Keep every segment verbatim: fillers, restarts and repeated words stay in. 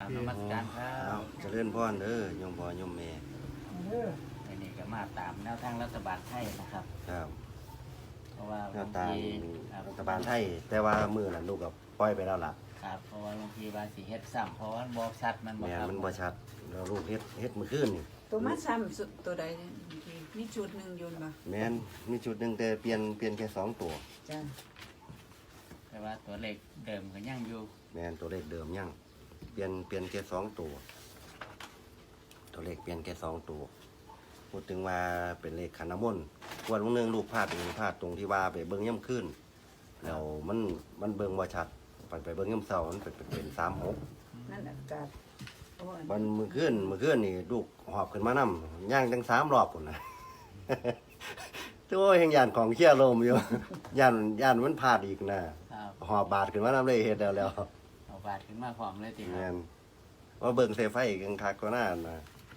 นมัสการครับเจริญพรเด้อโยมพ่อโยมแม่อันนี้ก็มาตามแนวทางรัฐบาลไทยนะครับครับเพราะว่าแนวตามครับรัฐบาลไทย แต่ว่ามือนั้นลูกกับปล่อยไปแล้วล่ะครับเพราะว่าบางทีบาสีเฮ็ดซ้ำเพราะว่าบ่ชัดมันบ่แม่ครับมันบ่ชัดแล้วลูกเฮ็ดเฮ็ดมื้อคืนนี่ตัวมาซ้ำสุดตัวใดเนี่ยมีชุดหนึ่งอยืนบ่แม่นมีชุดหนึงแต่เปลี่ยนเปลี่ยนแค่สองตัวจ้ะแต่ว่าตัวเลขเดิมก็ยังอยู่แม่นตัวเลขเดิมยังเปลี่ยนเปลี่ยนแค่สองตัวตัวเลขเปลี่ยนแค่สองตัวพูดถึงว่าเป็นเลขขันน้ำมนต์วันวันหนึงลูกพลาดตรงพลาดตรงที่ว่าไปเบิ่งย่ำขึ้นแล้วมันมันเบิ่งบ่ชัดไปไปเบิ่งย่ำเช้ามันเป็นเป็นเป็นสามหกนั่นอากาศโอ้ยมันมือขึ้นมือขึ้นนี่ลูกหอบขึ้นมานํย่างทั้งสามรอบพุ่นนะ ตัวแห่งยานของเชี่ยลมอยู่ ยานยานมันพลาดอีกนะครับ หอบบาดขึ้นมานํเลยเฮ็ดแล้วแล้วเอาบาดขึ้นมาพร้อมเลยติคแม่รับนว่าเบิ่งเสไฟกันคักก็น่านะ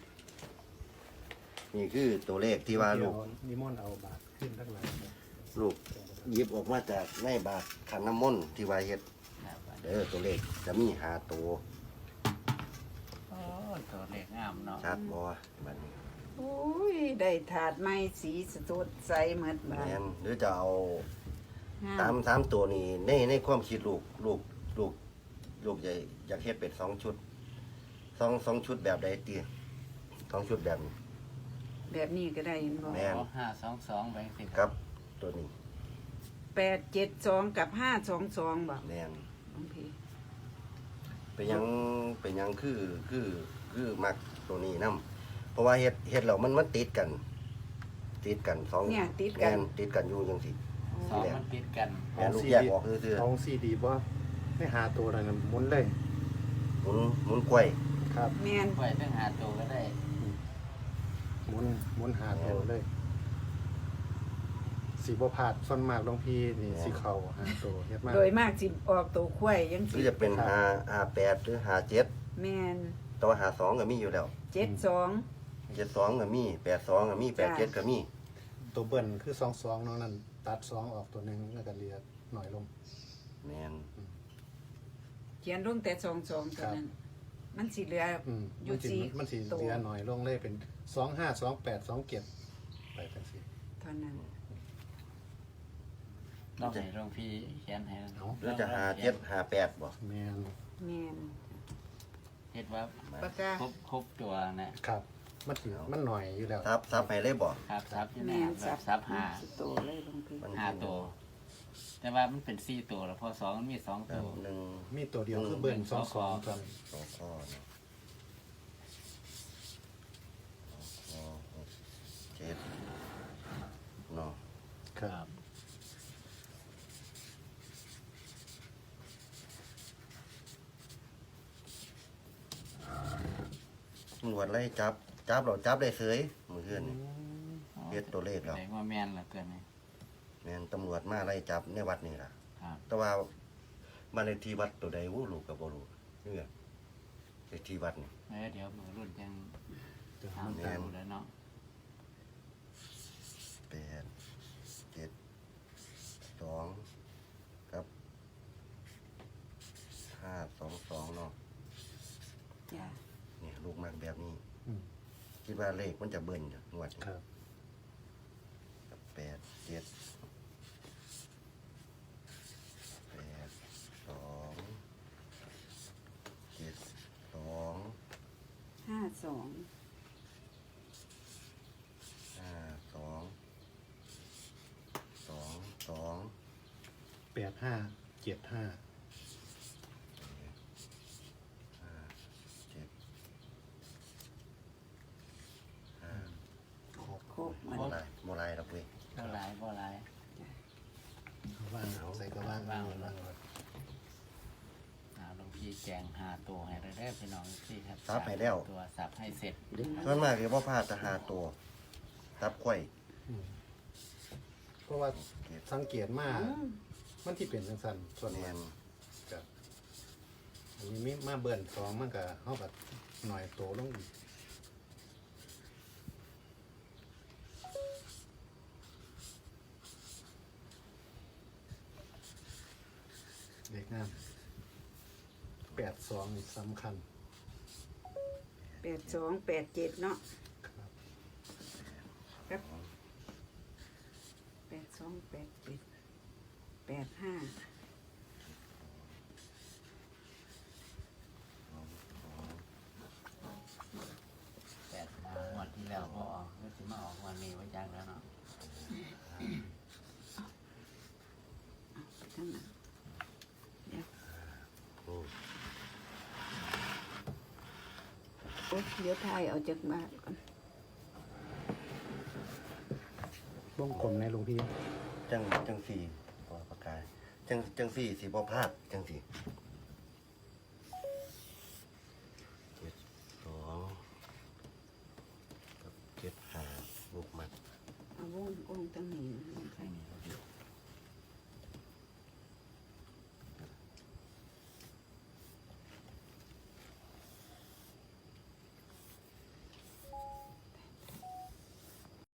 นี่คือตัวเลขที่ว่าลูกนิมนต์เอาบาทขึ้นทั้งหลายเลยลูกหยิบออกมาจากในบาทขันน้ำมนต์ที่ว่าเฮ็ดครับเด้อตัวเลขจะมีห้าตัวโอ้ตัวเลขงามเนาะชัดบ่บัดนี้โอ้ยได้ถาดไม้สีสดใสเหมือนบ้านแม่นหรือจะเอางาสาม มสามตัวนี้ในในความคิดลูกลูกลูกลูกอยากอยากเฮ็ดเป็นสองชุดสองสองชุดแบบใดตีสองชุดแบบนี้แบบนี้ก็ได้เห็นบ่แม่นห้าสองสองไปสิครับตัวนี้แปดเจ็ดสองกับห้าสองสองบ่แน่นบางทีเป็นหยังเป็นหยังคือคือคือมักตัวนี้นํเพราะว่าเฮ็ดเฮ็ดแล้วมันมันติดกัน ติดกันสองเนี่ยติดกัแม่นนติดกันอยู่จังซี่สองมันติดกันแม่นลูกแยกออกซื่อเอาซีดีว่าให้หาตัวอะไรนะหมุนเลยๆหมุนหมุนกล้วยครับแม่นไว้ตั้งหาตัวก็ได้หมุนหมุนหาตัวเลยสีบัวผาดส่วนมากหลวงพี่นี่สีเข่าหาตัวเฮ็ดมากโดยมากสิออกตัวควายยังหรืสิอจะเป็นห้าห้าแปดหรือห้าเจ็ดแม่นแต่ว่าห้าสองก็มีอยู่แล้วเจ็ดสองเจ็ดสองก็มีแปดสองก็มีแปดเจ็ดก็มีตัวเบิ้ลคือสองสองน้องนั่นตัดสองออกตัวหนึ่งแล้วก็เหลียหน่อยลงแม่นเขียนลงแต่สองสองเท่านั้น มันสิเหลืออืมอยู่มันสีสี่มันสีตัวเหลียหน่อยลงเลยเป็นสองห้าสองแปดสองเก็บไปจังสีเท่านั้นลองให้หลวงพี่เขียนให้เอาหรือจะห้าเจ็ดห้าแปดบ่แมนแม่นเฮ็ดว่าปากกาครบครบตัวนะครับมันสีมันหน่อยอยู่แล้วทับทับให้เลยบ่ครับซับอยู่แม่นะนแบบซับห้าสิโตเลยบางทีมันห้าตัว แต่ว่ามันเป็นสี่ตัวแล้วพอสองมันมีสองตัวหนึ่งมีตัวเดียวคือเบิ้ลสองสองตอนสองข้อเนาะสองข้อหกเจ็ดเนาะครับตำรวจไล่จับ จับเราจับได้เสยมือเพื่อนนี่ เฮ็ดตัวเลขแล้วแสดงว่าแมนเหลือเกินไหมแม่นตำรวจมาไล่จับในวัดนี่ล่ะครับแต่ว่าบ้านเลขที่วัดตัวใดวู้ลูกก็บ่รู้นี่เลขที่วัดนี่เอ้ยเดี๋ยวมือรุ่นยังเดี๋ยวถามมันตามแล้วเนาะแปดเจ็ดสองครับห้าสองสองเนาะจ้ะเนี่ยลูกมากแบบนี้อืมคิดว่าเลขมันจะเบิ่นอยู่งวดนี้ครับแปดเจ็ดแปดสองเจ็ดสองห้าสองห้าสองสองสองแปดห้าเจ็ดห้าห้าเจ็ดห้าครบหมดโมลายโมลายดอกเว้ยบ่หลายบ่หลายว่างเอาใส่ก็ว่างว่างว่างอ่าหลวงพี่แจงหาตัวให้ได้ได้พี่น้องที่ครับซับให้แล้วตัวสับให้เสร็จส่วนมากเรียกว่าพลาดจะหาตัวทับไข่อืมเพราะว่าเก็บสังเกตมากอืมมันที่เป็นสังสันส่วนแมมากนจะอันนี้มีมาเบิ่นสองมันก็เขาแบบหน่อยโตลงอีกเด็กงามแปดสองนี่สำคัญแปดสองแปดเจ็ดเนาะครับแปดสองแปดเจ็ดแปดห้าแปดมางวดที่แล้วพอออกก็จะมาออกวันนี้ไว้จังแล้วเนาะไปทั้งนั้นเดี๋ยวอืมโอ๊ยเดี๋ยวทายเอาจากบ้านก่อนวงกลมในหลวงพี่จังจังสี่ปอประกายจังจังสี่สีบ่พลาดจังสี่